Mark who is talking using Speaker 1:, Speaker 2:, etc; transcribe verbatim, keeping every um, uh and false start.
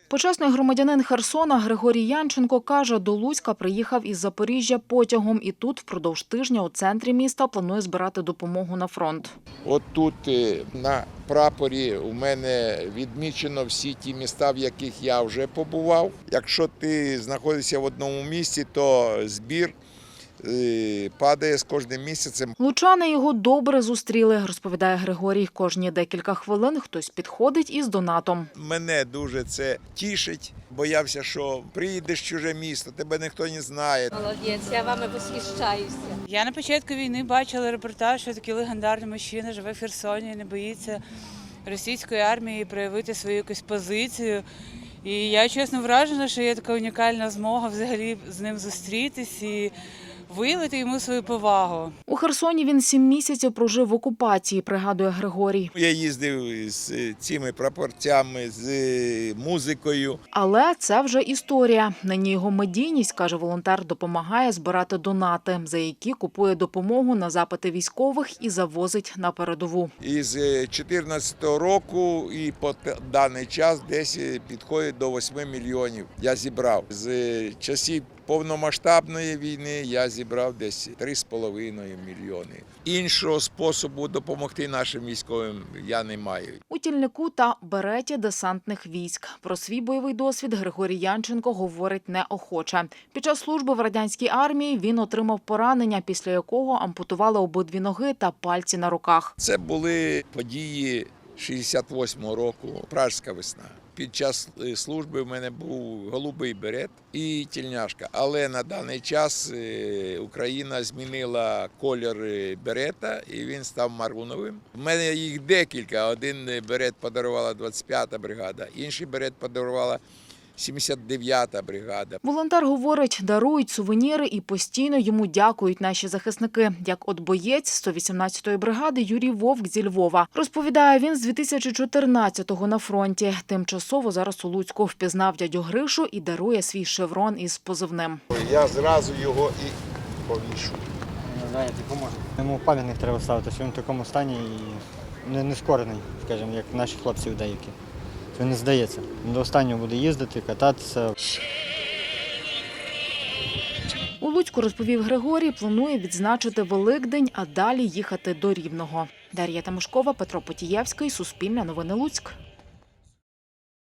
Speaker 1: Почесний громадянин Херсона Григорій Янченко каже, до Луцька приїхав із Запоріжжя потягом і тут впродовж тижня у центрі міста планує збирати допомогу на фронт.
Speaker 2: От тут на прапорі у мене відмічено всі ті міста, в яких я вже побував. Якщо ти знаходишся в одному місці, то збір падає з кожним місяцем.
Speaker 1: Лучани його добре зустріли, розповідає Григорій. Кожні декілька хвилин хтось підходить із донатом.
Speaker 2: Мене дуже це тішить. Боявся, що приїдеш в чуже місто, тебе ніхто не знає.
Speaker 3: Молодець, я вами восхищаюся.
Speaker 4: Я на початку війни бачила репортаж, що такий легендарний мужчина живе в Херсоні і не боїться російської армії проявити свою якусь позицію. І я чесно вражена, що є така унікальна змога взагалі з ним зустрітись і виявити йому свою повагу.
Speaker 1: У Херсоні він сім місяців прожив в окупації, пригадує Григорій.
Speaker 2: Я їздив з цими прапорцями, з музикою.
Speaker 1: Але це вже історія. Нині його медійність, каже волонтер, допомагає збирати донати, за які купує допомогу на запити військових і завозить на передову.
Speaker 2: Із дві тисячі чотирнадцятого року і по даний час десь підходить до восьми мільйонів. Я зібрав. З часів повномасштабної війни я зібрав десь три з половиною мільйони. Іншого способу допомогти нашим військовим я не маю.
Speaker 1: У Тільнику та Береті десантних військ. Про свій бойовий досвід Григорій Янченко говорить неохоче. Під час служби в радянській армії він отримав поранення, після якого ампутували обидві ноги та пальці на руках.
Speaker 2: Це були події шістдесят восьмого року, Пражська весна. Під час служби в мене був голубий берет і тільняшка. Але на даний час Україна змінила колір берета і він став маруновим. У мене їх декілька. Один берет подарувала двадцять п'ята бригада, інший берет подарувала сімдесят дев'ята бригада.
Speaker 1: Волонтер говорить, дарують сувеніри і постійно йому дякують наші захисники. Як от боєць сто вісімнадцятої бригади Юрій Вовк зі Львова. Розповідає, він з дві тисячі чотирнадцятого на фронті. Тимчасово зараз у Луцьку впізнав дядю Гришу і дарує свій шеврон із позивним.
Speaker 2: Я зразу його і повішу.
Speaker 5: Давайте допоможе. Йому пам'ятник треба ставити, що він в такому стані і не, не скорений, скажімо, як наші хлопці деякі. Він не здається. До останнього буде їздити, кататися.
Speaker 1: У Луцьку, розповів Григорій, планує відзначити Великдень, а далі їхати до Рівного. Дар'я Тимошкова, Петро Потієвський, Суспільне новини Луцьк.